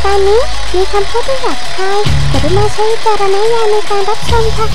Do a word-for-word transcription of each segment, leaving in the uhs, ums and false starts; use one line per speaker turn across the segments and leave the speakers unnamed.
การนี้มีคำพูดที่หยาบคายกรุณาใช้วิจารณญาณในการรับชมค่ะ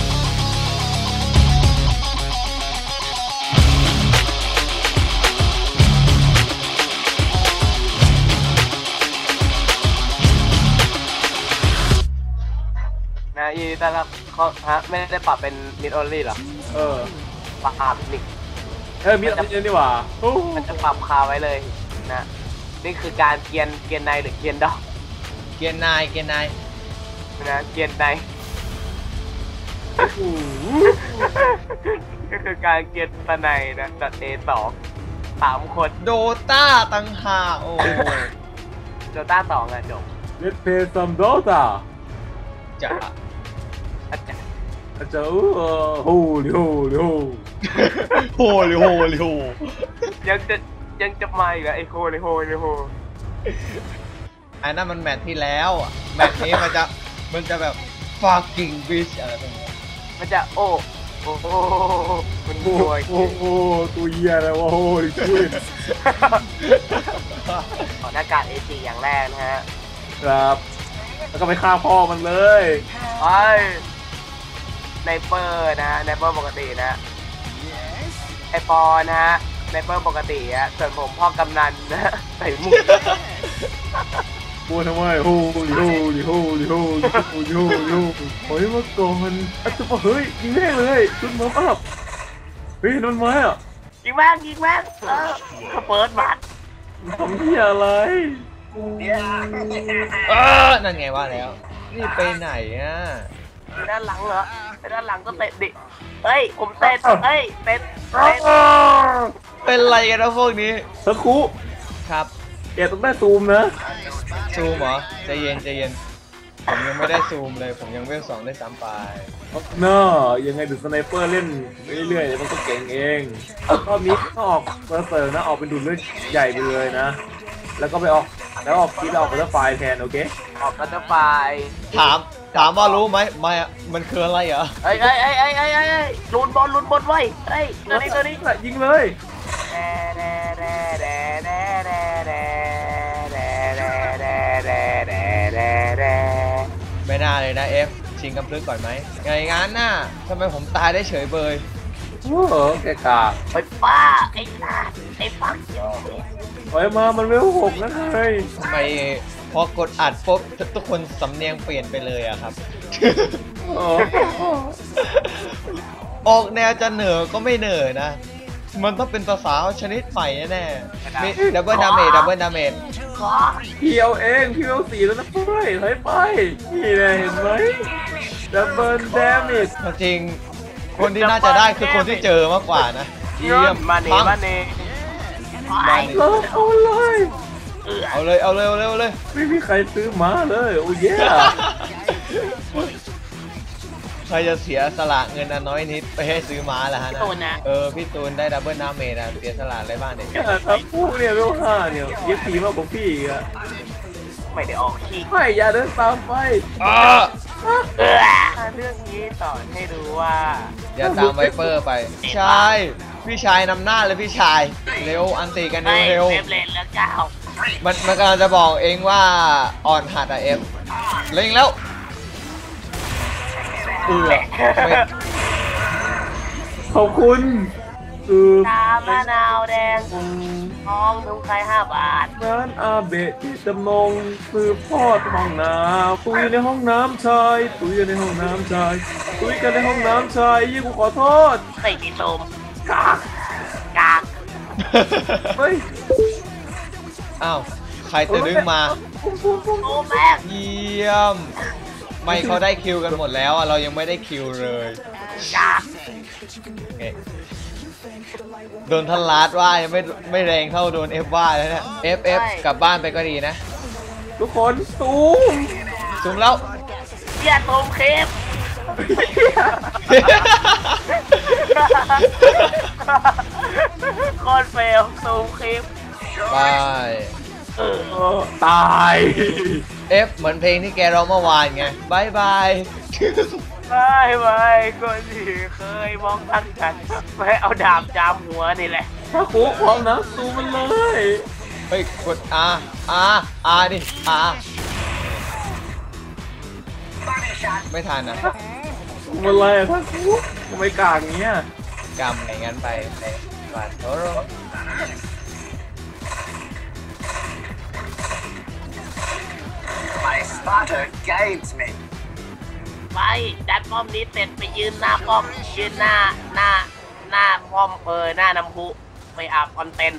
นะยีแต่ละเขาฮะไม่ได้ปรับเป็นมิดออลลี่หรอ
เออ
ปรับนิก
เออมิดออลลี่นี่หว่า
มันจะปรับคาไว้เลยนะนี่คือการเกียนเกียนในหรือเกียนดอก
เกียนนายเกียนนาย
นะเกียนในก็คือการเกียนตะในนะตัดเอสองสามคน
โดต้าตังหาโอ้
โดต้าสองอะจบ
Let's play some Dota
จะ
อาจารย์
อาจารย์โฮลิโฮลิโฮ
โฮลิโฮลิโฮ
ยังจะยังจะมาอีกเหรอไอโฮลิโฮลิโฮ
ไอ้นั่นมันแมตช์ที่แล้วแมตช์นี้มันจะมันจะแบบ fucking bitch อะไรแบบนี้
มันจะโอ้โอ้โหมันรวย
โอ้โหตัวเหี้ยอะไรวะโอ้ดิคุย
ขอหน้ากากเอจีอย่างแรกนะฮะ
ครับแล้วก็ไปฆ่าพ่อมันเลย
ไปไนเปอร์นะฮะไนเปอร์ปกตินะไอปอนะฮะไนเปอร์ปกติอะส่วนผมพ่อกำนันนะใส่หมวก
พูดทำไมโฮลิโฮลิโฮลิโฮลิโฮลิโฮลิโฮโอ้ยเมื่อก่อนอาจจะเฮ้ยยิงแม่งเลยชุดมออัพเฮ้ยนนไม้อ่ะ
ยิงแม่งยิงแม่งเออเปิดบัตร
ทำที่อะไร
เออนั่นไงว่าแล้วนี่ไปไหนอ่ะ
ไปด้านหลังเหรอไปด้านหลังก็เตะดิเฮ้ยผมเตะเฮ้ยเตะเตะ
เป็นไรกันนะพวกนี้
สักครู่
ครับ
แกต้องได้ซูมนะ
ซูมเหรอใจเย็นใจเย็นผมยังไม่ได้ซูมเลยผมยังเวลสองได้ซ้ำไป
เนาะยังไงดูสไนเปอร์เล่นเรื่อยๆมันก็เก่งเองรอบนี้ก็ออกเซอร์นะออกเป็นดุลเลือดใหญ่ไปเลยนะแล้วก็ไปออกแล้วออกคิดออกบัตเตอร์ไฟแทนโอเค
ออกบัตเตอร์ไฟ
ถามถามว่ารู้ไหมไม่มันคืออะไรเหรอ
ไอ้ไอ้ไอ้ไอ้ไอ้ไอ้ลุนบอลลุนบอลไว้ไอ้ตัวนี้ตัวนี้
ยิงเลย
ไม่น่าเลยนะเอฟชิงกำพลึกก่อนไหมไงงั้นน่ะทำไมผมตายได้เฉยเบย
โอ้โหแกกา
ไปป้าไอ้ตาไอ้ฟักโย
ไปมามันเวลหกนะเฮ้ย
ทำไมพอกดอัดปุ๊บทุกคนสำเนียงเปลี่ยนไปเลยอะครับออกแนวจะเหนือก็ไม่เหนือนะมันต้องเป็นภาษาชนิดใหม่แน่ๆมีดับเบิลดาเมจดับเบิลดาเมจ
พี่เอาเองพี่เอาสี่แล้วนะเพื่อนถอยไปนี่แหละเห็นไหมดับเบิลดาเมจ
จริงคนที่น่าจะได้คือคนที่เจอมากกว่านะ
เยี่ยมมาเน่มาเน่
เอาเลย
เอาเลยเอาเลยเอาเลยเอาเลย
ไม่มีใครซื้อมาเลยโอ้ย
ใครจะเสียสละเงินอันน้อยนิดไปให้ซื้อม้าล่ะฮะนะเออพี่ตูนได้ดับเบิลดาเมจนะเสียสละอะไรบ้างเนี่ย
ครับผู้เนี่ยเวลห้าเนี่ยยิ่งผีมากกว่าพี่อ่ะ
ไม่ได้ออกขี้
ไม่อย่าเดินตามไป
เรื่องนี้สอนให้รู้ว่า
อย่าตามไวเปอร์ไปใช่พี่ชายนำหน้าเลยพี่ชายเร็วอันตีกันเร็ว
เล่นแล้วเจ้า
มันมันกำลังจะบอกเองว่าอ่อนหัดอะเอฟเล็งแล้วเออ
ขอบคุณคือ
ตามะนาวแดงทองทุกใครห้าบาท
ร้านอาเบะที่จำนงคือพ่อห้องน้ำตุยในห้องน้ำชายตุยในห้องน้ำชายตุยกันในห้องน้ำชายยี่กูขอโทษ
ใส่ติดลมกากกาก
เฮ้ย
อ้าวใครจะดึงมา
โอ้แม่
เยี่ยมไม่เขาได้คิวกันหมดแล้วเรายังไม่ได้คิวเลยโดนทันลัดว่ายังไม่ไม่แรงเท่าโดนเอฟว่าแล้วเนี่ยเอฟเอฟกลับบ้านไปก็ดีนะ
ทุกคนซูม
ซูมแล้ว
อย่าซูมคลิปคอนเฟลซูมคลิป
ไป
ตาย
เอฟเหมือนเพลงที่แกร้องเมื่อวานไงบายบาย
บายบายคนที่เคยมองตั้งกันไม่เอาดาบจามหัวนี่แหละ
ถ้าคูพร้อมนะซูมันเลย
เฮ้ยกดอาอาอาดิอาไม่ทันนะ
มันอะไรท่านกูทำไมกากอย่างเงี้ย
กำอะไรงั้นไปไปก่อนโอ้โห
My spotter guides me.
ไปจัดป้อมนี้เสร็จไปยืนหน้าป้อมยืนหน้าหน้าหน้าป้อมเออหน้าน้ำพุไปอาบคอนเทนต์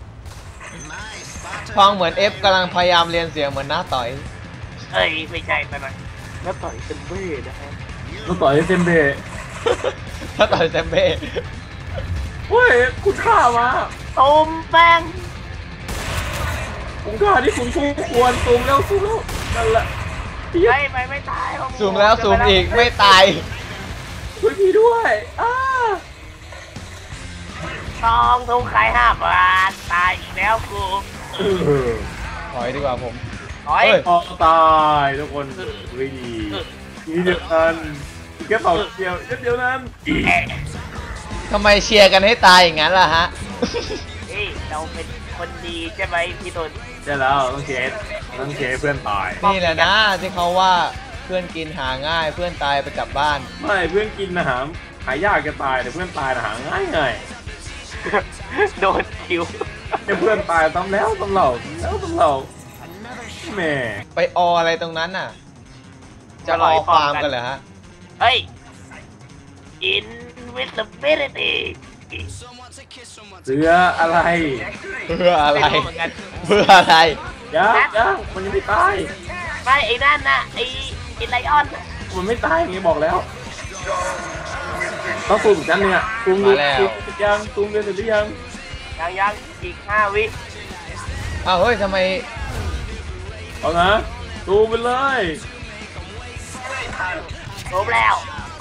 ฟังเหมือนเอฟกำลังพยายามเรียนเสียงเหมือนหน้าต่อย
เอ้ยไม่ใช่แต่หน่อยแล้วต่อยเป็นเบ้นะฮะ
ต้องต่อยเซมเบะ
หน้าต่อยแซมเบ้
เฮ้ยคุณฆ่ามา
ตูมแป้ง
คุณฆ่าที่คุณคู่ควรซูมแล้วซูมแล้วนั่นแหละพี่
ไม่ไปไม่ตาย
ซูมแล้วซูมอีกไม่ตาย
ช่วยพี่ด้วยอ้า
ต้องทุกใครห้าบาทตายอีกแล้วกู
เออ
ถอยดีกว่าผม
ถอย
เฮ้ย
ออกตายทุกคนวิ่งทีเดียวกันแค่เป่าเดียวเดียวนั้น
ทำไมเชียร์กันให้ตายอย่างนั้นล่ะฮะ
เฮ้ยเราเป็นคนดีใช่ไหมพี่ตุล
ใช่แล้วต้องเชสต้องเชสเพื่อนตาย
นี่แหละนะที่เขาว่าเพื่อนกินหาง่ายเพื่อนตายไปกลับบ้าน
ไม่เพื่อนกินอาหารหายากจะตายแต่เพื่อนตายหาง่ายไง
โดนคิว
ให้เพื่อนตายซ้ำแล้วซ้ำเล่าแล้วซ้ำเล่าแหม่
ไปออะไรตรงนั้นน่ะ จะรอฟาร์มกันเหรอฮะ
เฮ้ย invisibility
เสืออะไร
เพื่ออะไร
ไม่รู้เหมือนกัน
เพื่ออะไร
ยังยังมันยังไม่ตาย
ไม่ไอ้นั่นน่ะไอ้ไอ้ไลออนน่ะ
มันไม่ตายอย่างนี้บอกแล้วต้องซูมอีกชั้นหนึงอ่ะซูมดู
มาแล้ว
ซูมเสร็จยังซูมเรียนเสร็จหรือยัง
ยังยังอีกห้าวิ
อ้าวเฮ้ยทำไม
เอานะซูมไปเลย
จบแล้ว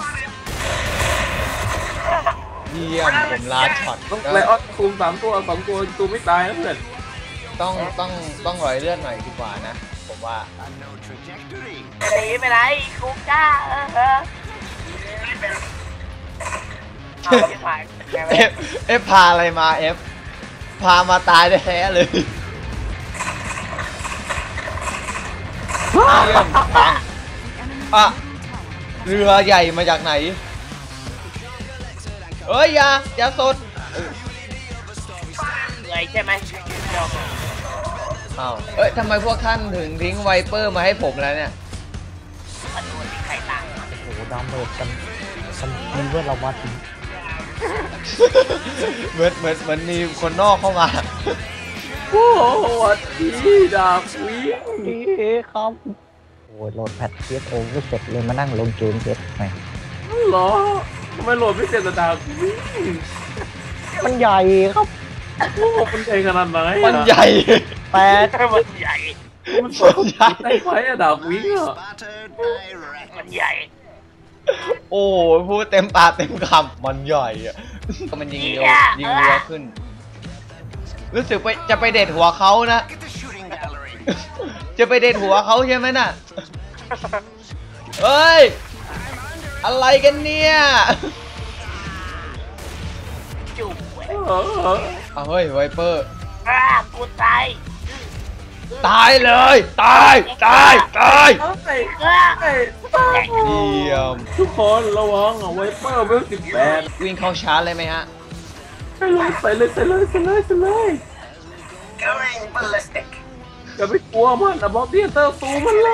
เยี่ยมผมลาช็อต
ต้องไลออนซูมสามตัวสองตัวซูมไม่ตายนะเพื่อน
ต้องต้องต้องรอยเลือดหน่อยดีกว่านะ ผมว่า
จะหนีไปไหนกูกล้าเออเออเอาที่หายแกไม่
เอฟเอฟพาอะไรมาเอฟพามาตายแท้ๆเลยเยี่ยมปังอ่ะเรือใหญ่มาจากไหนเอ้ยอย่าอย่าสด
เหนื่อยใช่ไหมเดี๋ยว
อ้าวเอ้ยทำไมพวกท่านถึงทิ้งไวเปอร์มาให้ผมแล้วเนี่ย
มาดูที่ใครต่าง
โอ้โหดาวเมจกันมันมีเวอร์เรามาถึง
เหมือนเหมือนเหมือนมีคนนอกเข้ามา
โอ้โหสวัสดีดาบวิ่ง
นี่ครับโอ้ยโหลดแพท พี เอส โอ ไม่เสร็จเลยมานั่งลงเกมเสร็จไหม
เหรอทำไมโหลดไม่เสร็จแต่ดาบวิ่ง
มันใหญ่ครับ
โอ้โหมันใหญ่ขนาดไหนอะ
มันใหญ่
แปด
มันใหญ่
มันสวยได้ไหมอะดาบวิ่งอะ
มันใหญ่
โอ้ยพูดเต็มปากเต็มคำมันใหญ่อะมันยิงเร็วยิงเร็วขึ้น รู้สึกไปจะไปเด็ดหัวเขานะ จะไปเด็ดหัวเขาใช่ไหมน่ะเอ้ย อะไรกันเนี่ย
จุ๊บเว้ย
เออเออ
เอาเฮ้ยไวเปอร์
อ่ากูตาย
ตายเลย ตาย ตาย ตาย
เอ้ย
อ่า
เอ้ย
เยี่ยม
ทุกคนระวังอะไวเปอร์เวลสิบแปด
วิ่งเข้าชาร์จเลยไหมฮะ
ใส่เลยใส่เลยใส่เลยใส่เลยใส่เลย
Going ballistic.
อย่าไปกลัวมันอะบล็อกเดียเตอร์ซูมันเลย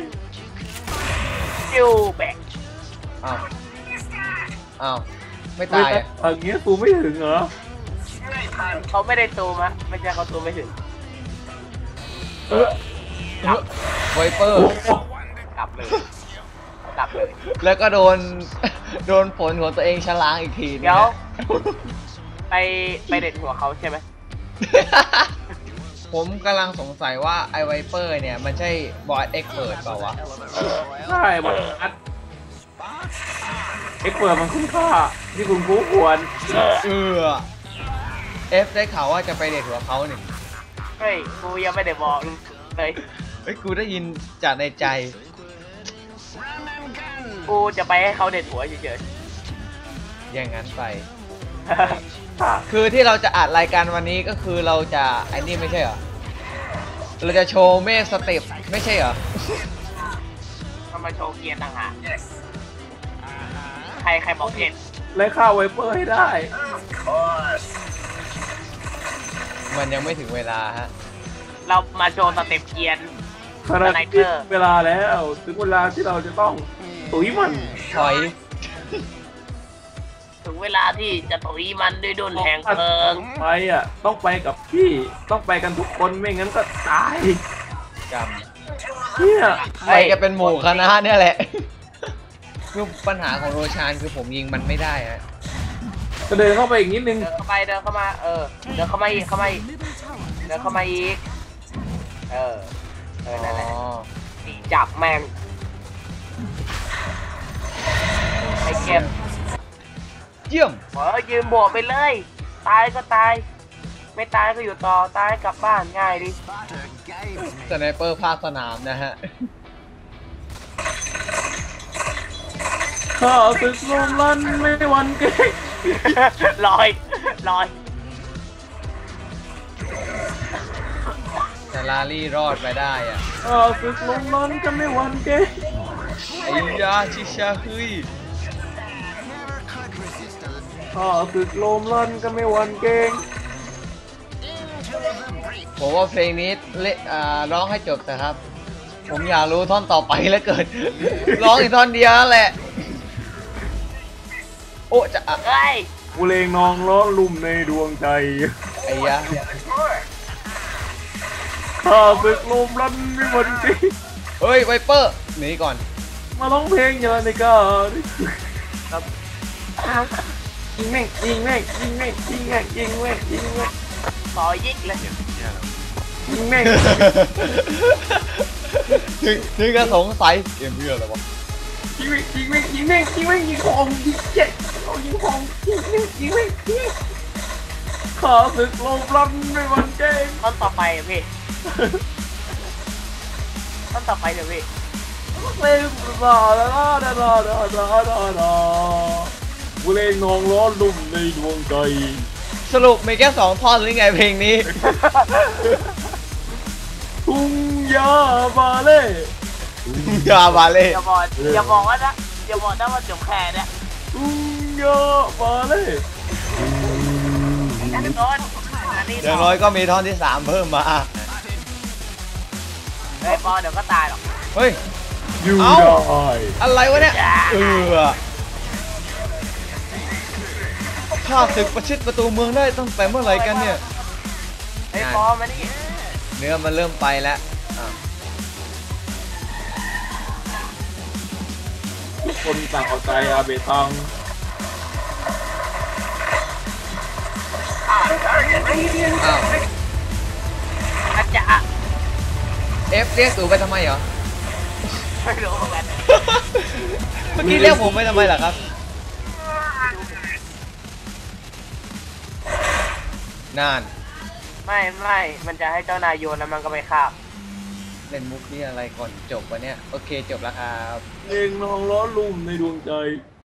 จิ้วแบก
อ้าว อ้าว ไม่ตายอ่ะ
อย่างเงี้ยซูไม่ถึงเหรอ
เขาไม่ได้ตูมะไม่ใช่เขาตูมไม่ถึง
เออ
ไวเปอร์
โอ้โห
กลับเลยกลับเลย
แล้วก็โดน โดนผลของตัวเองฉลางอีกทีนึง
เดี๋ยว
นะ
ไปไปเด็ดหัวเขาใช่ไหม
ผมกำลังสงสัยว่าไอไวเปอร์เนี่ย มันใช่บอสเอ็กเปิดเปล่าวะ
ใช่มันอัดเอ็กเปิดมันคุ้มค่าที่คุณคู่ควร
เออเอฟได้ข่าวว่าจะไปเด็ดหัวเขาหนึ่ง
เฮ้ยกูยังไม่ได้บอกเลย
เฮ้ย กูได้ยินจากในใจ
กูจะไปให้เขาเด็ดหัวเฉย
อย่างนั้นไป
ๆ
คือที่เราจะอัดรายการวันนี้ก็คือเราจะไอ้นี่ไม่ใช่เหรอ เราจะโชว์เมฆสเต็ปไม่ใช่เหรอ
มันมาโชว์เกียร์ต่างหาก
Yes,
ใครใครบอกเห็น
ไล่ฆ่าไวเปอร์ให้ได้
of course.
มันยังไม่ถึงเวลาฮะ
เรามาโชว์สเต็ปเกียร์
ขณะ
สไนเป
นี้
อร์
เวลาแล้วถึงเวลาที่เราจะต้องตุ๋ยมัน
ถอย
ถึงเวลาที่จะตุยมันด้วยดุนแห่งเพลิง
ไปอ่ะต้องไปกับพี่ต้องไปกันทุกคนไม่งั้นก็ตาย
กรรม
เนี่ย
ไปกันเป็นหมู่คณะเนี่ยแหละ คือปัญหาของโรชานคือผมยิงมันไม่ได้ฮะ
จะเดินเข้าไปอีกนิดนึง
เดินเข้าไปเดินเข้ามาเออเดินเข้ามาอีกเข้ามาอีกเดินเข้ามาอีกเออเออนั่นแหละ
อ๋อ
ตีจับแม่งไอ้เก็บ
เยี่ยม
เออยืนบวกไปเลย ตายก็ตาย ไม่ตายก็อยู่ต่อตายกลับบ้านง่ายดิ
Spotter games me.
สไนเปอร์ภาคสนามนะฮะ
ข้าศึกลมลันไม่หวันเกรง
ลอยลอย
แต่ลารี่รอดไปได้อ่ะ
ข้าศึกลมลันจะไม่หวันเกรง
ไอ้ยาชิชาฮึย
ข้าศึกลมลันก็ไม่หวันเกรง
ผมว่าเพลงนี้เละอ่าร้องให้จบแต่ครับ ผมอยากรู้ท่อนต่อไปแล้วเกิด ร้องอีกท่อนเดียวนั่นแหละ โอ้จะอ่ะ
เฮ้ย
กูเลงนองล้อลุ่มในดวงใจ
ไอ้ยา
ข้าศึกลมลันไม่หวันเกรง
เฮ้ยไวเปอร์หนีก่อน
มาร้องเพลงอย่าในกาครับยิงแม่งยิงแม่งยิงแม่งยิงแม่งยิงแม่งยิงแม่ง
ขอยิกเลย
ยิงแม่ง
ถึงถึงก็สงสัยเกมเพื่ออะไรวะ
ยิงแม่งยิงแม่งยิงแม่งยิงแม่งยิงของยิงเจ็ดเอายิงของยิงแม่งยิงแม่งยิงแม่งข้าศึกลมลันไม่หวันเกรง
ต้นต่อไปอะพี่ต้นต่อไปเดี๋ยวพี่
เล่นดาดาดาดาดาดาดาดากูเล่นนองล้อลุ่มในดวงใจ
สรุปมีแค่สองท่อนหรือไงเพลงนี้
ทุ่งยาบาเล่
ยาบาเล่
อย่าบอกอย่าบอกว่านะอย่าบอกนะว่าจบแค่เนี่ย
ทุ่งยาบาเล่
อันนี้ก่อนอันนี้
อย่างน้อยก็มีท่อนที่สามเพิ่มมา
เฮ้ยปอเดี๋ยวก็ตายหรอก
เฮ้ย
อยู่
เอ้า
ได้
อะไรวะเนี่ย เออข้าศึกประชิดประตูเมืองได้ตั้งแต่เมื่อไหร่กันเนี่ย
เฮ้ยปอมานี่
เนื้อมันเริ่มไปแล้วอ่ะ
ทุกคนต่างเอาใจอาเบตัง
อ้าว
อาจจะ
เอฟเรียกตู่ไปทำไมเหรอ
ไม่รู้เหมือนกัน
เมื่อกี้เรียกผมไปทำไมล่ะครับ นาน
ไม่ไม่มันจะให้เจ้านายโยนแล้วมันก็ไม่คาบ
เล่นมุกนี่อะไรก่อนจบวะเนี่ย โอเคจบแล้วครับ
เล่นนองล้อลุ่มในดวงใจ